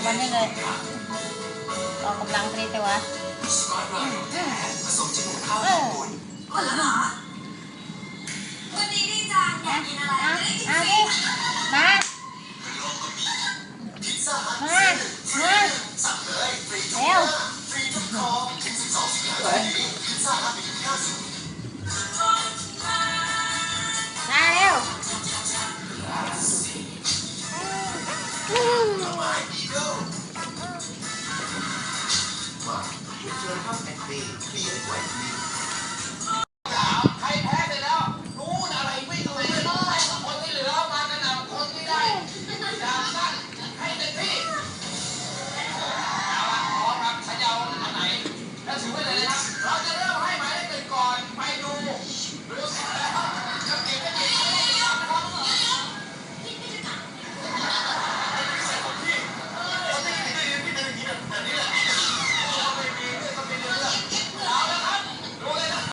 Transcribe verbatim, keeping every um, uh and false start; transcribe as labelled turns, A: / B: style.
A: วันนี้เลยออกกำลังตรีแต่ว่าเออ
B: วันนี้ดีจังอยากกินอะไรจะได้กินฟรี
A: มา มา มาเร็วมาเร็ว
C: ใครแพ้ไปแล้วนู้นอะไรวิ่งเลยคนที่เหลือมากระหน่ำคนที่ได้จากสั้นให้เต็มที่เอาละพร้อมครับฉันจะเอาอันไหนแล้วถือไว้เลยนะครับ